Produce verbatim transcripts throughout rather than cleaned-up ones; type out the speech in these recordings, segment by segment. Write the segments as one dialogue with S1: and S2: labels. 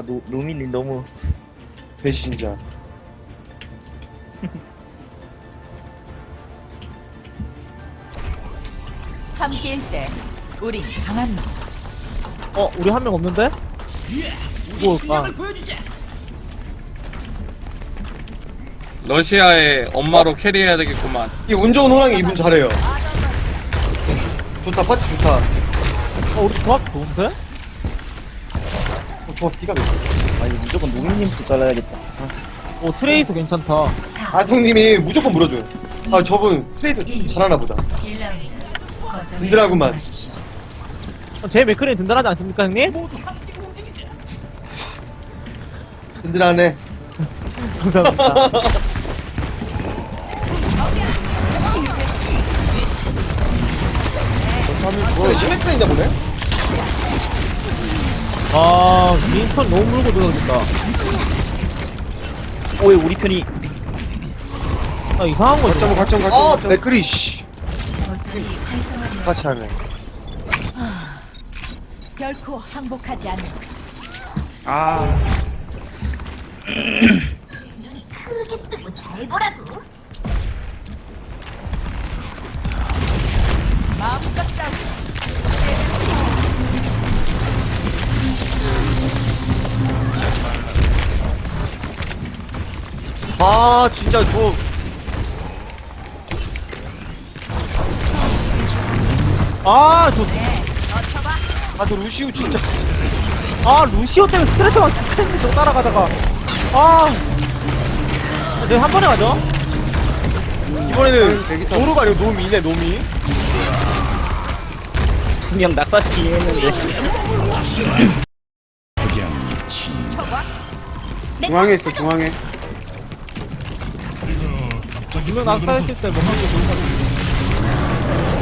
S1: 노, 노민님 너무
S2: 배신자.
S3: 함께일 때 우린 강합니다.
S4: 어, 우리 한 명 없는데? 뭐, 아,
S5: 러시아의 엄마로 캐리해야 되겠구만.
S2: 이 운 좋은 호랑이 이분 잘해요. 좋다, 파티 좋다.
S4: 어, 우리 조합 좋은데?
S2: 어, 조합 기가 막혀.
S1: 아니 무조건 노민님부터 잘라야겠다.
S4: 어, 트레이서 괜찮다.
S2: 아성님이 무조건 물어줘요. 아, 저분 트레이드 잘하나 보다. 든든하구만.
S4: 어, 제 맥크린 든든하지 않습니까, 형님?
S2: 든든하네.
S4: 감사합니다.
S2: 어, 시메트레인가 보네?
S4: 아, 민턴 너무 물고 들어가겠다.
S1: 오왜 우리 편이
S4: 아, 이상한 거지.
S6: 갈점 갈점 갈점
S2: 아,
S6: 갈점.
S2: 맥크리, 씨. 같이 하네.
S3: 결코 항복하지 않는
S1: 아
S3: 마음껏 싸우.
S2: 아, 진짜 저.
S4: 아, 저,
S2: 아, 저 루시우 진짜.
S4: 아, 루시오 때문에 스트레스만 계속 따라가다가. 아, 내가 한 번에 가죠?
S2: 이번에는 노루가 아니고 노미네, 노미.
S1: 분명 낙사시키긴 했는데
S6: 중앙에 있어 중앙에.
S4: 분명 낙사했을 때 뭐 하는 게 좋은 거 같아.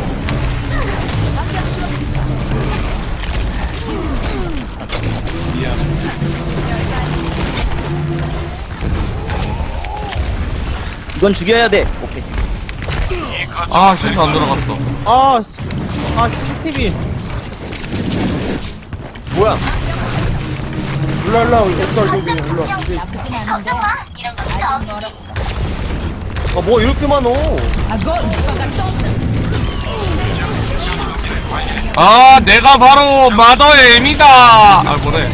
S1: 이건 죽여야 돼. 오케이.
S5: 아, 실수 안 들어갔어.
S4: 아, 씨. 아, 씨티비.
S2: 뭐야?
S6: 올라 올라 올라 여기 올라.
S3: 나쁘진 않은데 아직 멀었어.
S2: 아, 뭐 이렇게 많어?
S5: 아, 내가 바로 마더의 M이다. 아, 뭐래.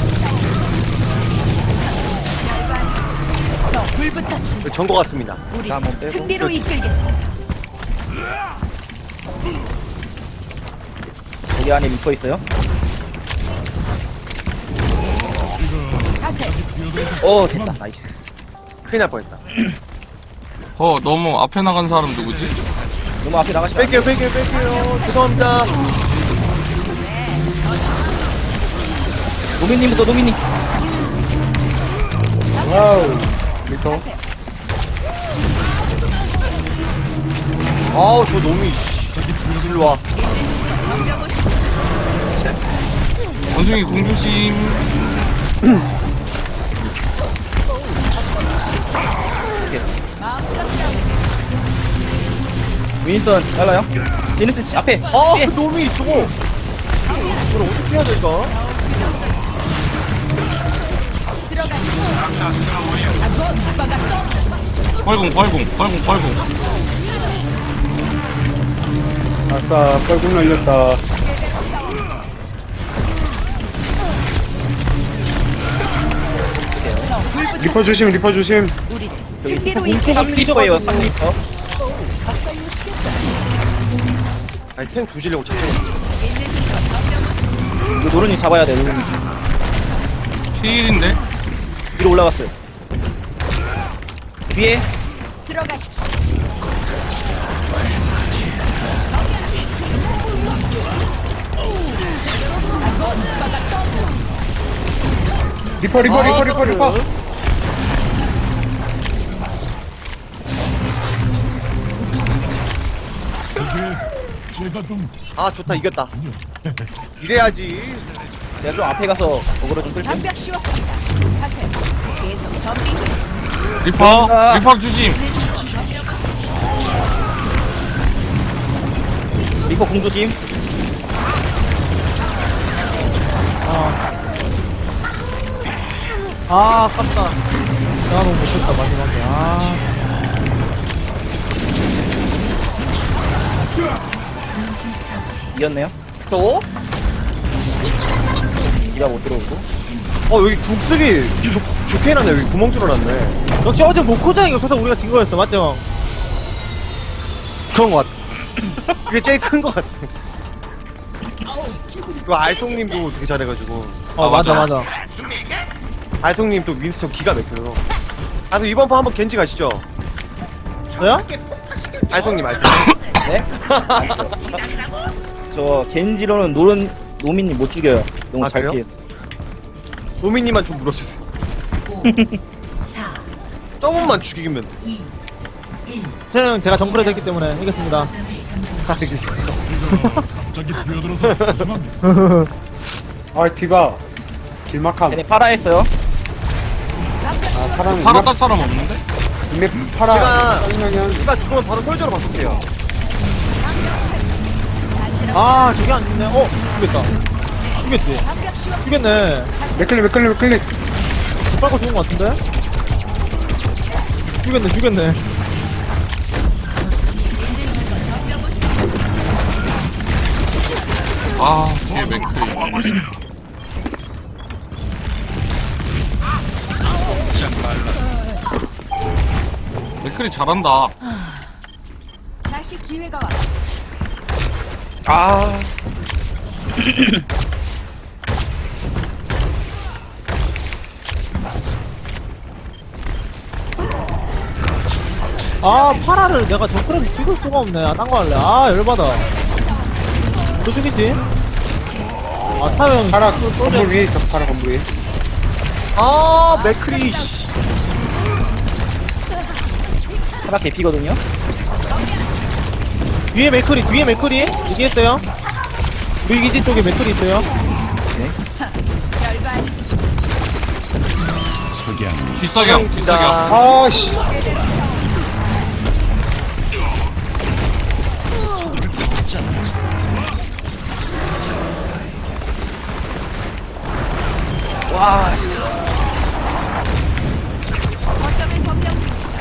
S3: 불 붙었어.
S2: 전거 같습니다.
S3: 우리
S1: 한번 빼고.
S3: 승리로 이끌겠습니다.
S1: 여기 안에 미퍼 있어요.
S3: 가세.
S1: 오 됐다. 나이스.
S2: 큰일 날 뻔했다.
S5: 어, 너무 앞에 나간 사람 누구지?
S1: 너무 앞에 나가시면
S2: 뺄게요, 뺄게요, 뺄게요. 죄송합니다.
S1: 노민님부터 노민님.
S2: 와우. 미터. 아우, 저 놈이, 씨. 일로 와.
S5: 원숭이 공조심.
S1: 윈스턴 잘라요. 제니스 앞에.
S2: 아,
S1: 뒤에.
S2: 그 놈이 저거. 이걸 어떻게 해야 될까?
S5: 뻘궁, 뻘궁, 뻘궁, 뻘궁.
S6: 아싸 뻘궁 날렸다. 리퍼 조심 리퍼 조심.
S3: 우리 승리로
S1: 삼
S3: 이끌겠습니다.
S1: 리퍼예요. 삼 리퍼.
S2: 아니, 탱 조지려고 자꾸.
S1: 이거 노른이 잡아야 돼. 노른이.
S5: 피일인데?
S1: 위로 올라갔어요. 뒤에
S3: 들어가십시오.
S6: 리퍼 리퍼
S2: 아,
S6: 리퍼 리퍼 리퍼.
S2: 아, 좋다, 이겼다. 이래야지.
S1: 제가 좀 앞에 가서 어그로 좀 끌게.
S3: 장벽 씌웠습니다. 가세. 계속 정리 중.
S5: 리퍼, 리퍼 주심.
S1: 리퍼 공조심.
S4: 아 아깝다. 내가 너무 못했다 마지막에. 아
S1: 이겼네요.
S2: 또?
S1: 이가 못 들어오고.
S2: 어 여기 국쓰기 좋, 좋게 해놨네. 여기 구멍 뚫어놨네.
S4: 역시 어제 목포장이 없어서 우리가 진 거였어 맞죠?
S2: 그런 거 같아. 그게 제일 큰 거 같아. 그 알송님도 되게 잘해가지고.
S4: 어
S5: 아,
S4: 맞아
S5: 맞아.
S4: 맞아.
S2: 알송님 또 윈스턴 기가 막혀요. 아, 그럼 이번 판 한번 겐지 가시죠.
S4: 저요?
S2: 알송님, 알송.
S1: 네? 저 겐지로는 노른 노민님 못 죽여요. 너무
S2: 아,
S1: 잘
S2: 그래요?
S1: 피해.
S2: 노미님만 좀 물어주세요. 조금만 죽이면 돼.
S4: 저는 제가 정글에 됐기 때문에 이겼습니다.
S6: 아 디바 길막함.
S1: 쟤네 파라 했어요.
S6: 아 파란
S5: 파라 딸 사람 없는데?
S6: 이메 파라
S2: 제가-
S6: 쌍용현.
S2: 누가 죽으면 바로 솔저로 바꿀게요.
S4: 아 저게 안 죽네. 어 죽겠다. 죽겠지. 죽겠네.
S6: 맥클릭 맥클릭 맥클릭.
S4: 빨고 죽은 거 같은데? 죽겠네 죽겠네.
S5: 아 뒤에 맥크리. 맥크리 잘한다.
S3: 다시 기회가 와.
S1: 아.
S4: 아 파라를 내가 정글에서 찍을 수가 없네. 아 딴 거 할래. 아 열받아. 또 죽이지? 아 타요 형.
S6: 파라 건물 위에 있어. 파라 건물 위에.
S2: 아, 맥크리, 씨.
S1: 파라 개피거든요.
S4: 뒤에 맥크리 뒤에 맥크리 얘기했어요. 우리 기지 쪽에 맥크리 있어요.
S3: 결반
S5: 뒷사경 뒷사경.
S6: 아씨.
S1: 와. 씨.
S3: 거점을 점령.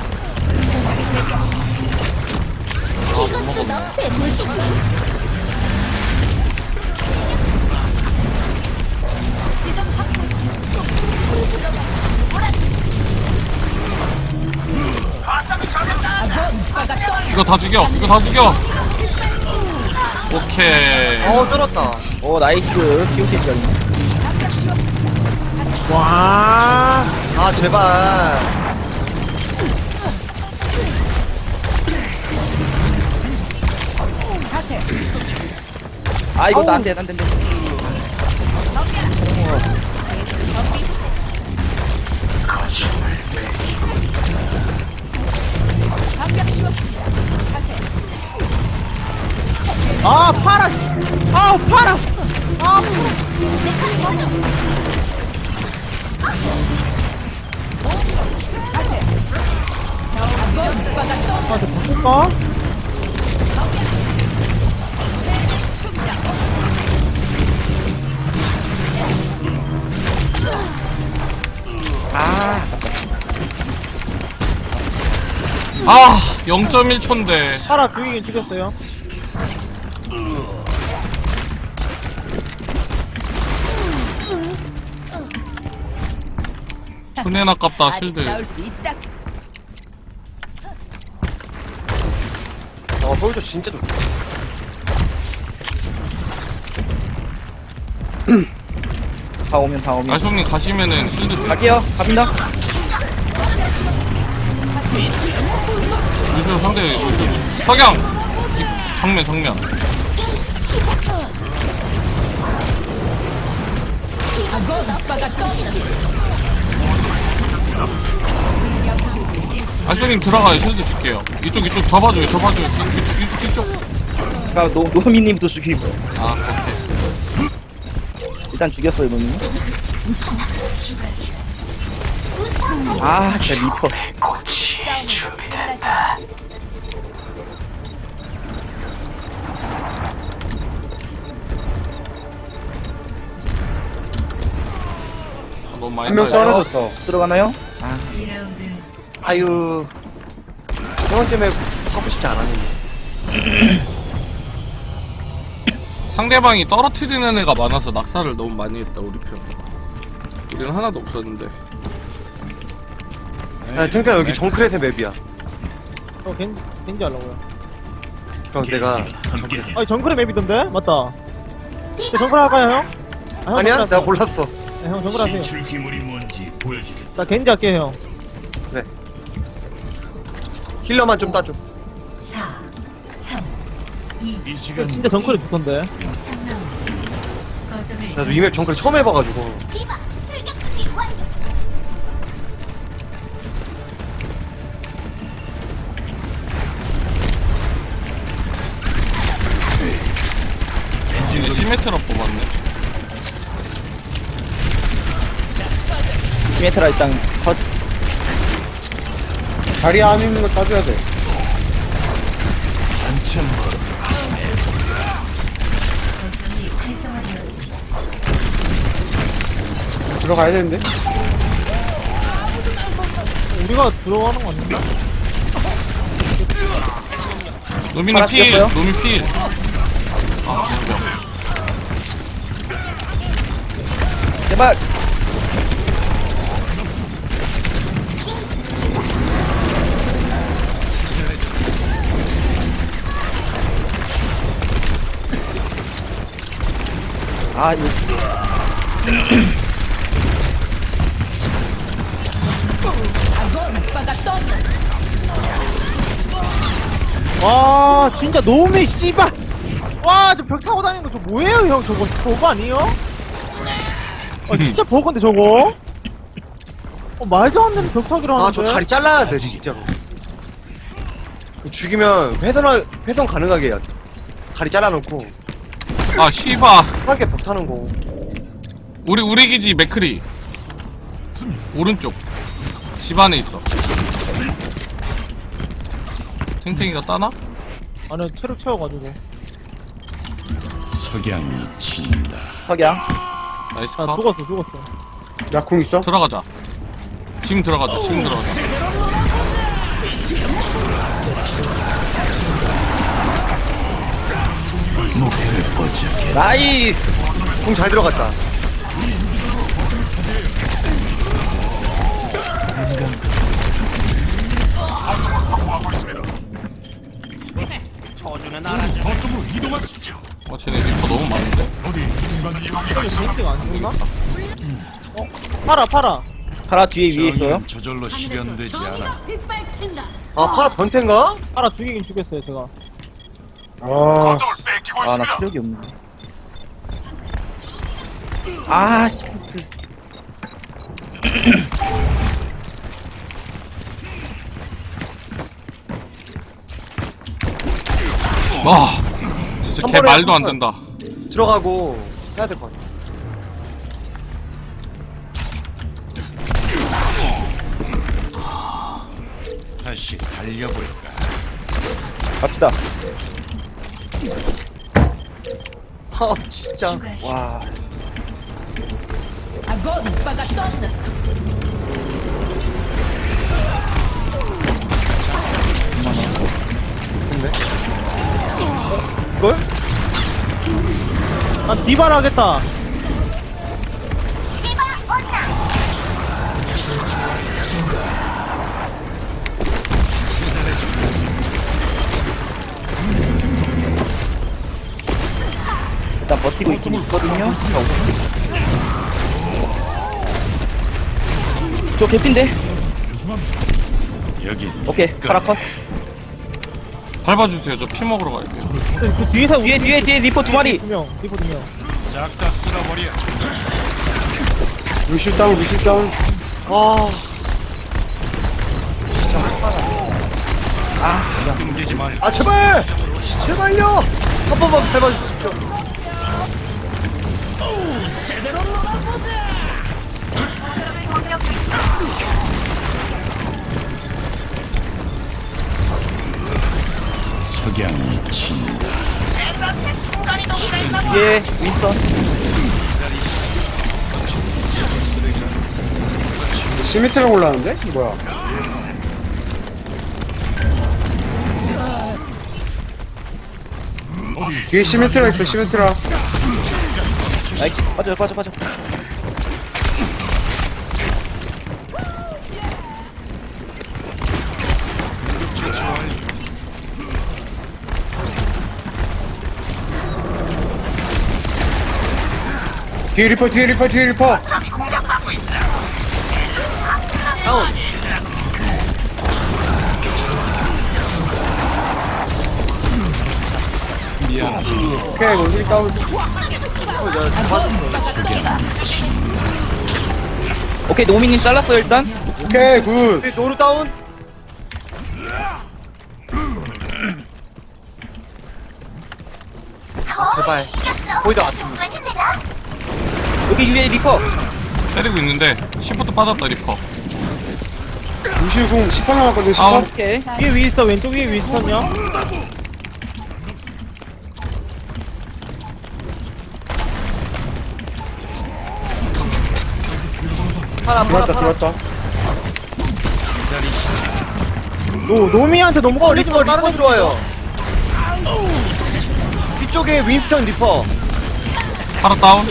S7: 이것도 너프에 보시지.
S3: 지점 확보.
S5: 이거 다 죽여. 이거 다 죽여. 오케이.
S2: 어, 쩔었다.
S1: 오 나이스. 키오키 시작이네.
S4: 와.
S2: 아, 제발.
S3: 가세.
S1: 아 이거 나안 돼, 안 돼, 안 돼.
S3: 방벽 씌웠습니다. 가세.
S4: 아 파라. 아 파라. 아
S3: 가세. 오빠가 또
S4: 아, 저 바꿀까?
S5: 아 영 점 일 초인데.
S4: 파라 죽이긴 죽였어요.
S5: 손해는 아깝다
S3: 아직
S5: 실드.
S3: 싸울 수 있다.
S2: 어, 솔저 진짜 좋다.
S1: 다 오면 다 오면.
S5: 알송님 가시면은 실드 돼.
S1: 갈게요. 갑니다.
S5: 루시오 상대 루시오. 석양. 이- 정면 정면.
S3: 오빠가 또
S5: 알송님 들어가요. 실드 줄게요. 이쪽 이쪽 접어줘요. 접어줘요. 이쪽 이쪽 이쪽.
S1: 아까 노 노미님부터 죽이고.
S5: 아 오케이.
S1: 일단 죽였어요 노미님. 아 진짜 리퍼.
S3: 싸움은 끝나지 않았어.
S5: 아, 너무 너무 많이
S6: 한 명
S5: 따라요.
S6: 떨어졌어.
S1: 들어가나요? 아,
S2: 아유. 세 번째 맵 하고 싶지 않았는데.
S5: 상대방이 떨어뜨리는 애가 많아서 낙사를 너무 많이 했다 우리 편. 우리는 하나도 없었는데.
S2: 야, 탱탱 여기 정크렛의 맵이야.
S4: 저 겐, 겐지 하려고요.
S2: 그럼 내가.
S4: 아니, 정글의 맵이던데? 맞다. 저 정글 할까요, 형? 아, 형
S2: 아니야?
S4: 정글
S2: 내가
S4: 하세요.
S2: 골랐어.
S4: 네, 형 정글 하세요.
S7: 출기물이 뭔지 보여주겠다.
S4: 나 겐지 할게요, 형.
S2: 그래. 힐러만 좀 따줘.
S7: 이 시간
S4: 진짜 정글에 좋던데.
S2: 나도 이 맵 정크렛 처음 해봐가지고.
S5: 이제 시메트라 뽑았네.
S1: 시메트라 일단 컷.
S6: 다리 안에 있는 거 따줘야 돼. 들어가야 되는데?
S4: 우리가 들어가는 거 아닌가?
S5: 노민이
S1: 파라
S5: 필.
S1: 뛰었어요?
S5: 노민 필. 아 진짜.
S1: 제발. 아, 이거.
S4: 와, 진짜 너무 씨발! 와, 저 벽 타고 다니는 거 저 뭐예요, 형? 저거, 저거 아니에요? 아, 진짜 버건데, 저거? 어, 말도 안 되는 벽 타기를 하는데?
S2: 아, 저 다리 잘라야 돼, 진짜로. 죽이면 회선, 회선 가능하게 해야 돼. 다리 잘라놓고.
S5: 아 씨바.
S2: 편하게 벽 타는 거.
S5: 우리 우리 기지 맥크리. 오른쪽. 집 안에 있어. 탱탱이가 따나?
S4: 아니, 체력 채워가지고.
S7: 석양이 친다.
S1: 석양.
S5: 나이스
S4: 아,
S5: 컷.
S4: 죽었어, 죽었어.
S6: 약궁 있어?
S5: 들어가자. 지금 들어가자. 지금 들어가자.
S7: 목표를 포착해.
S1: 나이스!
S2: 공 잘 들어갔다.
S5: 어 쟤네 리퍼 너무 많은데?
S4: 저기 벤치가 안 죽나? 어? 팔아, 팔아.
S1: 파라 뒤에 위에 있어요.
S7: 저절로 실현되지 않아.
S2: 아, 파라 변태인가?
S4: 팔아 죽이긴 죽였어요, 제가.
S6: 아,
S1: 아, 나 체력이 없네. 아, 시프트.
S5: 와 진짜
S2: 한
S5: 걔
S2: 번에
S5: 말도 안
S2: 한 번.
S5: 된다.
S2: 들어가고 해야 될 것 같아.
S7: 다시 달려볼까.
S1: 갑시다.
S2: 아, 진짜.
S1: 와.
S3: Agora paga todas.
S1: 이걸?
S4: 난 디바를 하겠다.
S1: 일단 버티고 있긴 있거든요. 저 개핀데?
S7: 여기
S1: 오케이, 파라 컷.
S5: 밟아주세요. 저 피 먹으러 가야 돼요.
S4: 그, 그 뒤에서
S1: 뒤에, 뒤에, 뒤에 리퍼 두 마리.
S4: 두 명, 리포 두 명.
S7: 싹다 쓸어버려.
S6: 루시 다운, 루시 다운.
S2: 아,
S7: 땡기지 말.
S2: 아, 제발! 제발요! 한 번만 밟아주십시오.
S7: 석양이 친다.
S1: 뒤에 윈스턴.
S6: 시미트랑 올라왔는데? 뭐야? 뒤에 시미트라 있어, 시미트라.
S1: 나이스. 빠져, 빠져, 빠져.
S6: 뒤에 리퍼, 뒤에 리퍼, 뒤에 리퍼.
S4: 다운.
S6: 오케이, 원숭이 다운.
S1: 오케이, 노미님 잘랐어요, 일단.
S6: 오케이, 굿.
S4: 노루 다운. 제발. 거의 다 왔습니다.
S1: 여기 위에 리퍼.
S5: 때리고 있는데 시프트 빠졌다 리퍼.
S6: 루시우공 십 번 남았거든, 십
S5: 아,
S6: 번.
S1: 오케이.
S4: 위에 윈스턴, 왼쪽 위에 윈스턴요. 파라, 파라,
S6: 들어왔다,
S4: 파라.
S6: 들어왔다.
S4: 노, 노미한테 너무 걸리지 말고 다른 데 들어와요. 뒤쪽에 윈스턴 리퍼.
S5: 바로 다운.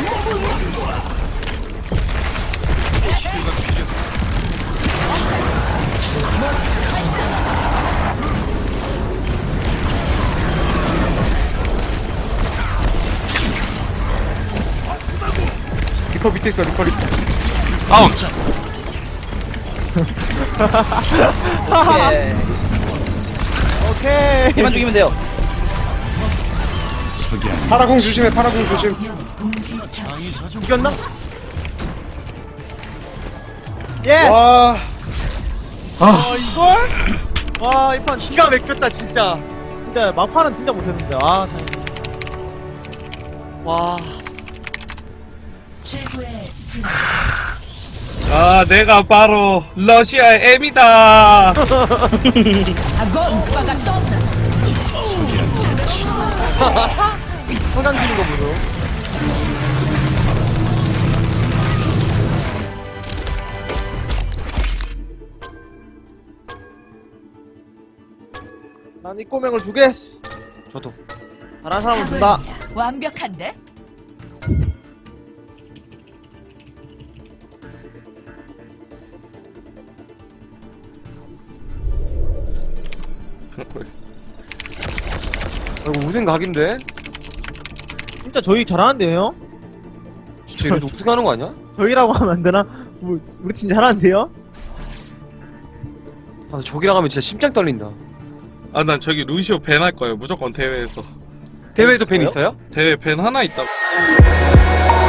S6: 리퍼 밑에 있어, 리퍼, 리퍼.
S5: 다운.
S1: 오케이.
S4: 오케이.
S1: 얘만 죽이면 돼요.
S6: 파라공 조심해, 파라공 조심.
S4: 이겼나? 예!
S6: 와,
S4: 아, 이걸? 와, 이 판 기가 막혔다, 진짜. 진짜, 막판은 진짜 못했는데, 아, 참. 와.
S5: 아 내가 바로 러시아의 M이다.
S4: 소장 지는 거 보소. 난 이 꼬맹을 주겠어. 저도. 잘한 사람은 준다.
S3: 완벽한데?
S2: 이거 우승 각인데?
S4: 진짜 저희 잘하는데요?
S2: 진짜 이래도 우승하는 거 아니야?
S4: 저희라고 하면 안 되나? 뭐, 우리 진짜 잘하는데요?
S2: 아, 저기랑 하면 진짜 심장 떨린다.
S5: 아 난 저기 루시오 밴 할 거예요 무조건 대회에서.
S2: 대회에도 팬 있어요?
S5: 대회 밴 하나 있다고.